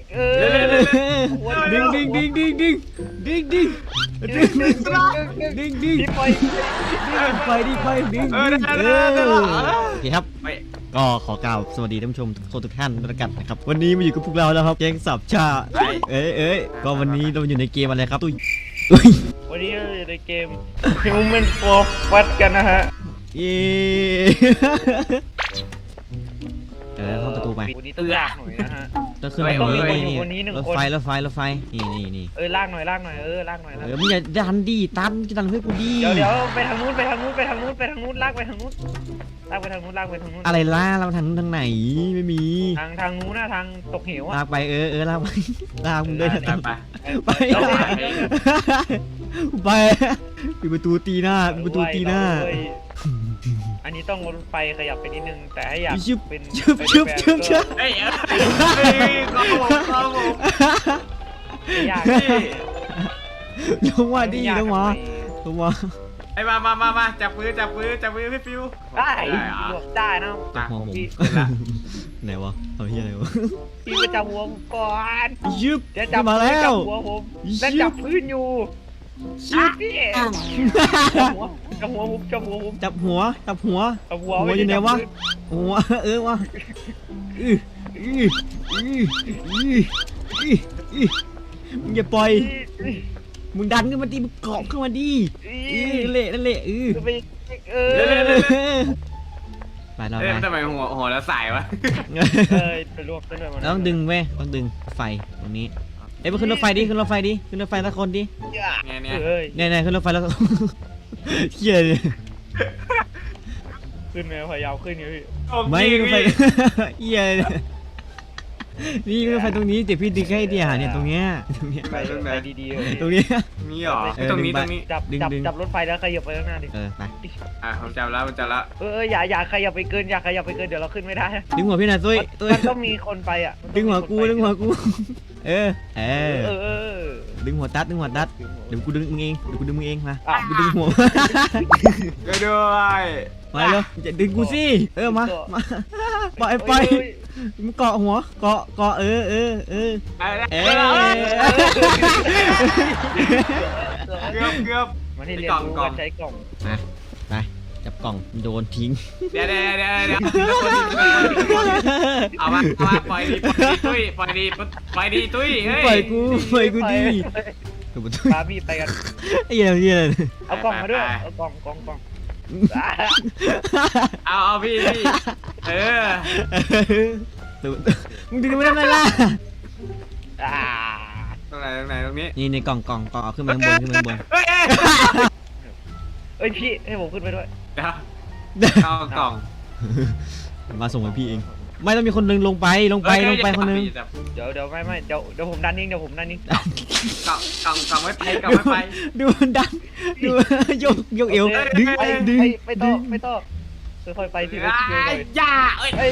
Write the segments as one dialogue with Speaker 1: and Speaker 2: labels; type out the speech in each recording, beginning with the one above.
Speaker 1: ดึงไปดึงโอเคครับก็ขอกล่าวสวัสดีท่านผู้ชมทุกท่านด้วยกันนะครับวันนี้มาอยู่กับพวกเราแล้วครับแก๊งสับชาก็วันนี้เราอยู่ในเกมอะไรครับตุ้ย
Speaker 2: วันนี้เราอยู่ในเกม Human for Fat กันนะฮะ
Speaker 1: เข้าประตูไป
Speaker 2: วันนี้ต้องลากหน่อยนะฮะ
Speaker 1: ต้องขึ้นไปนี่รถไฟนี่
Speaker 2: ลากหน่อยลากหน่อย
Speaker 1: มึงอย่าดันดิตันจะดันเพื่อกูดี
Speaker 2: เดี๋ยวไปทางนู้นลากไปทางนู้น
Speaker 1: อะไรล่าเราทางนู้นทางไหนไม่มี
Speaker 2: ทางนู้นนะทางตกเหว
Speaker 1: ลากไปลากไปลากมึงด้วยไปปิดประตูตีหน้า
Speaker 2: อันนี้ต้องรถไฟขยับไปนิดนึงแต่ให้อยากเป็น
Speaker 1: ชึบลงมาดีลงมา
Speaker 3: ไอ้มาจับมือพี่ฟิว
Speaker 2: ได้นะ
Speaker 1: จับหัวผมไหนวะทำเหี้ยอะไรวะ
Speaker 2: พี่ไปจับหัวผมก่อน
Speaker 1: ยึบ
Speaker 2: จะจับ
Speaker 1: มาแล้ว
Speaker 2: หัวผมแล้วจับพื้นอยู่พี่จับหัวผม
Speaker 1: อยู่ไหนวะหัววะมึงอย่าปล่อยมึงดันขึ้นมาดิมึงเกาะขึ้นมาดินั่นแหละไปเรา
Speaker 3: ทำไมหัวแล้วสายวะ
Speaker 2: ไปรวบ
Speaker 1: ต้องดึงเว้ยต้องดึงไฟตรงนี้ไปขึ้นรถไฟดิขึ้นรถไฟละคนดิเนี่ยขึ้นรถไฟแล้วเฮียเลย
Speaker 2: ขึ้นไหมพยายามขึ้นอยู่พี่
Speaker 1: ไม่รถไฟเฮียนี่รถไฟตรงนี้เดี๋ยวพี่ดึงให้ดิเนี่ยตรงเนี้ย
Speaker 2: ไปดี
Speaker 1: ตรงนี้
Speaker 3: มีหรอตรงนี้
Speaker 2: จับรถไฟแล้วขยับไปข้างหน้าดิ
Speaker 1: ไป
Speaker 3: ผมจับแล้ว
Speaker 2: อย่าขยับไปเกินเดี๋ยวเราขึ้นไม่ได้
Speaker 1: ดึงหัวพี่หน่อยตุ้ย
Speaker 2: มันต้องมีคนไปอ่ะ
Speaker 1: ดึงหัวกูดึงหัวตัดเดี๋ยวกูดึงมึงเองมากูดึงหัว
Speaker 3: ก็ด้วย
Speaker 1: มาแล้วจะดึงกูสิมาไปมึงเกาะหัวเกาะเ
Speaker 3: กือบ
Speaker 2: มาที่เรียนรู้การใช้กล่อง
Speaker 1: ไปจับกล่องโดนทิ้ง
Speaker 3: เดี๋ยวเอามาปล่อยดีตุ้ยปล่อยดีตุ้ย
Speaker 1: ปล่อยกูดี
Speaker 2: พาพี่ไปกัน
Speaker 1: ไอ้เหี้ย
Speaker 2: เอากล่องมาด้วยเอากล่อง
Speaker 3: เอาพี่
Speaker 1: มึงดึงไม่ได้ไรล่ะ
Speaker 3: ตรงไหนตรงนี้
Speaker 1: นี่ในกล่องเอาขึ้นมาข้างบน
Speaker 2: พี่ให้ผมขึ้นไปด้วย
Speaker 3: เอากล่อง
Speaker 1: มาส่งให้พี่เองไม่ต้องมีคนนึงลงไปคนนึง
Speaker 2: เดี๋ยวไม่เดี๋ยวผมดันนิ่งกล่อง
Speaker 3: ไม่ไป
Speaker 1: ดูดันดูยกเอวดึง
Speaker 2: ไปต่อค่อยไปทีละ
Speaker 3: ย่า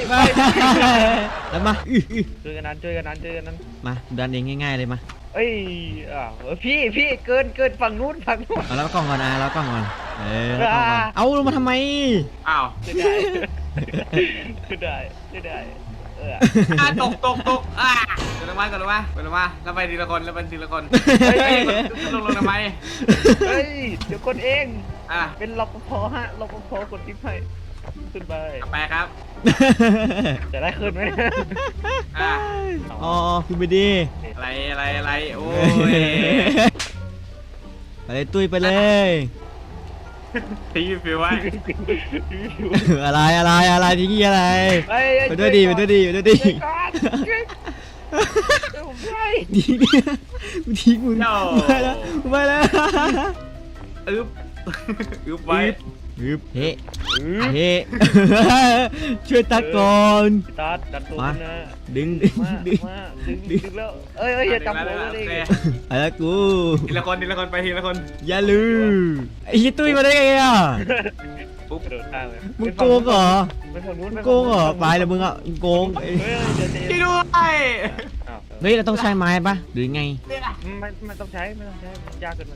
Speaker 1: แล้วมา
Speaker 2: ช่วยกันนั้น
Speaker 1: มาดันเองง่ายๆเลยมา
Speaker 2: พี่เกินฝั่งนู้น
Speaker 1: เอาแล้วกล่องก่อนแล้วกล่องก่อนเอาลงมาทำไม
Speaker 3: อ้าว
Speaker 2: ได้
Speaker 3: ตกเกิดลงมาแล้วไปทีละคนลงทำไม
Speaker 2: เดี๋ยวคนเองเป็นรปภรปภกดทิปให้ขึ้นไป
Speaker 3: ครับ
Speaker 2: จะได้ขึ้นไหม
Speaker 1: ขึ้นไปดี
Speaker 3: อะไรโอ้ย
Speaker 1: ไปเลยตุ้ยไปเลย
Speaker 3: พี่ฟิวไว้
Speaker 1: อะไรทีนี้อะไรไปด้วยดีดีทิ้งมึงไปแล้ว
Speaker 3: ไว้
Speaker 1: เฮ้ช่วยตัดก่อน
Speaker 2: ตัดตัวนะ
Speaker 1: ดึง
Speaker 2: แล้วอย่าจับหัวเลย
Speaker 1: อะไรกู
Speaker 3: ทีละคนไปทีละคน
Speaker 1: อย่าลืมไอ้ตุ้ยมาได้ไงอ่ะมึงโกงเหรอไปเลยมึงอ่ะโกง
Speaker 3: ที่ด้วย
Speaker 1: เราต้องใช้ไม้ปะหรือไง
Speaker 2: ไม่ต้องใช้ยากเกินไป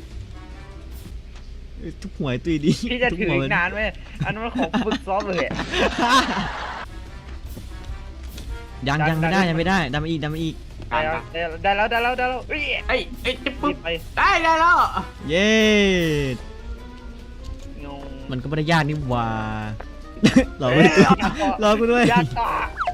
Speaker 1: ทุกหัวตุ้ยดี
Speaker 2: พี่จะถืออีกนานไหมอันนั้นมันของฝึกซ้อมเลย
Speaker 1: ยังไม่ได้ดันมาอีก
Speaker 3: กลาง
Speaker 2: ได้แล้วเอ้ย
Speaker 3: เอ้ยจะปุ๊บ
Speaker 2: ไป
Speaker 3: ได้แล้ว
Speaker 1: เย้
Speaker 2: งง
Speaker 1: มันก็ไม่ได้ยากนี่หว่า รอกูด้วยรอกูด้วย
Speaker 2: ยากต่อ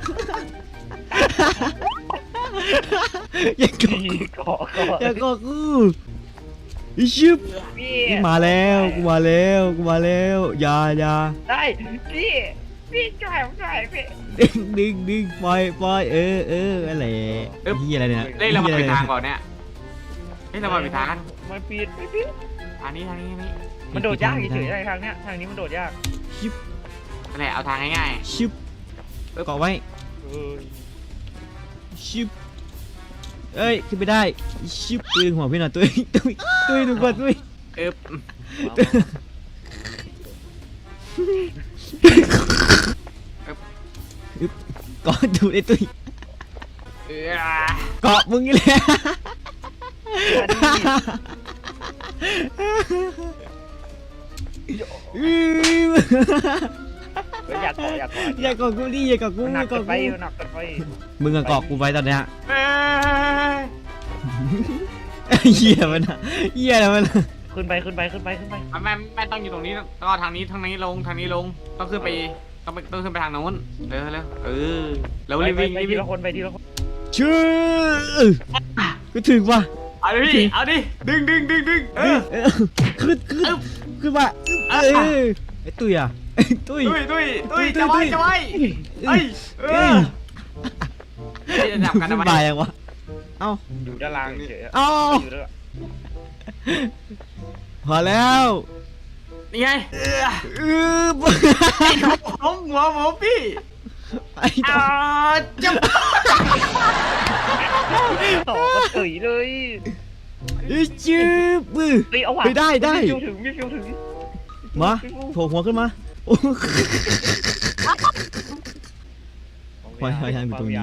Speaker 1: อย่าเกาะ
Speaker 2: เกาะ
Speaker 1: อย่าเกาะกูอีชิบ
Speaker 2: พี่
Speaker 1: นี่มาแล้วกูมาแล้วอย่า
Speaker 2: ได้พี่จ่ายผมจ่ายพี่
Speaker 1: ดึงปล่อยอะไรเฮียอะไรเนี่ย
Speaker 3: เล่นเรามาผิดทางก่อนเนี่ยเล่นเรามาผิดทาง
Speaker 2: มันปีนพี่
Speaker 3: อันนี้
Speaker 2: มันโดดยากเฉยๆทางเนี้ยทางนี้มันโดดยาก
Speaker 1: ชิบ
Speaker 3: นั่นแหละเอาทางง่าย
Speaker 1: ชิบเกาะไว้ ชิบเอ้ยขึ้นไปได้ชิบปืนหัวพี่หน่อยตุ้ยดูก่อนตุ้ย
Speaker 3: ๆ
Speaker 1: เกาะดูไอ้ตุ้ย
Speaker 3: เออ
Speaker 1: เกาะมึงนี่แหละ
Speaker 2: อยากเกาะ
Speaker 1: อย่าเกาะกูดิอย่าเกาะกู
Speaker 2: หนัก
Speaker 1: เกาะ
Speaker 2: ไป
Speaker 1: กู
Speaker 2: หนักไป
Speaker 1: มึงอะเกาะกูไว้ตอนเนี้ย
Speaker 3: เอ้ย
Speaker 1: เหี้ยมันอะเหี้ยอะไรมันอะ
Speaker 2: ขึ้นไป
Speaker 3: ไม่ต้องอยู่ตรงนี้ก็ทางนี้ลงต้องขึ้นไปต้องขึ้นไปทางโน้นเร็วแล้ววิ่ง
Speaker 2: ไปทีละคนไปทีละคน
Speaker 1: ชื่อกูถึงว่ะ
Speaker 3: เอาดิดึงเออ
Speaker 1: ขึ้นมาไอ้ตุ้ยอะไอ้ตุ้ย
Speaker 3: ตุ้ยจะไว้เอ้ยจะจับกันทำไม
Speaker 1: บายยังวะเอ้า
Speaker 2: อยู่ด้านล่างเฉย
Speaker 1: เอ้า
Speaker 2: อยู่ด้าน
Speaker 1: พอแล้ว
Speaker 3: นี่ไง
Speaker 1: บ
Speaker 3: หัวพี่
Speaker 1: ไอ้ตัว
Speaker 3: จะ
Speaker 2: ต่อก็ตุ๋ยเลย
Speaker 1: จืบ
Speaker 2: เฮ้ยเอาว่ะ
Speaker 1: ไปได้
Speaker 2: มีฟิวถึง
Speaker 1: มาโผล่หัวขึ้นมาโอ้พอยทางอยู่ตรงนี้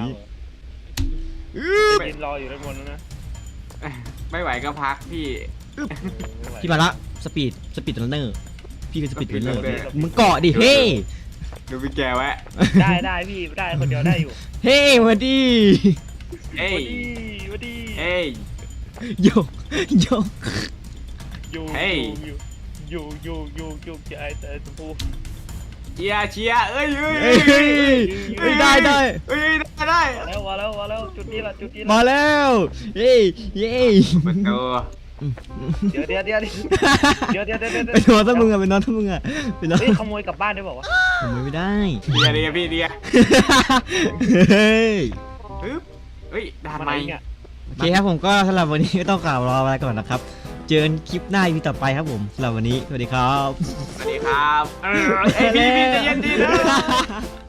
Speaker 2: ยืนรออยู่ด้านบนนะ
Speaker 3: ไม่ไหวก็พักพี่
Speaker 1: พี่มาละสปีดรันเนอร์พี่คือสปีดรันเนอร์มึงเกาะดิเฮ้
Speaker 3: ดูพี่แกไว้
Speaker 2: ได้พี่ได้คนเดียวได้อยู่
Speaker 1: เฮ้มาดิ
Speaker 3: เอ้ย
Speaker 2: วัดี
Speaker 3: เอ้ย
Speaker 1: โย
Speaker 2: อยู่
Speaker 3: เฮ้ย
Speaker 2: อยู่ใจแต่ชมพู
Speaker 3: เชียร์เอ้ย
Speaker 1: ได้
Speaker 3: ได้
Speaker 2: แล้วจุดนี้ละ
Speaker 1: มาแล้วเย้
Speaker 3: ประตู
Speaker 2: เดี๋ยว
Speaker 1: ไปนอนถ้ามึงอะไปนอนถ้ามึงอะไปนอน
Speaker 2: เฮ้ยขโมยกลับบ้านได้บอกว่า
Speaker 1: ขโมยไม่ได้
Speaker 3: เดียพี่
Speaker 1: เฮ้ย
Speaker 3: เฮ้ยด่านใหม่
Speaker 2: เนี่ย
Speaker 1: โอเคครับผมก็สำหรับวันนี้ก็ต้องกล่าวรอไปก่อนนะครับเจอกันคลิปหน้าอีพีต่อไปครับผมสำหรับวันนี้สวัสดีครับ
Speaker 3: สวัสดีครับเอ้ยพี่ใจเย็นดีนะ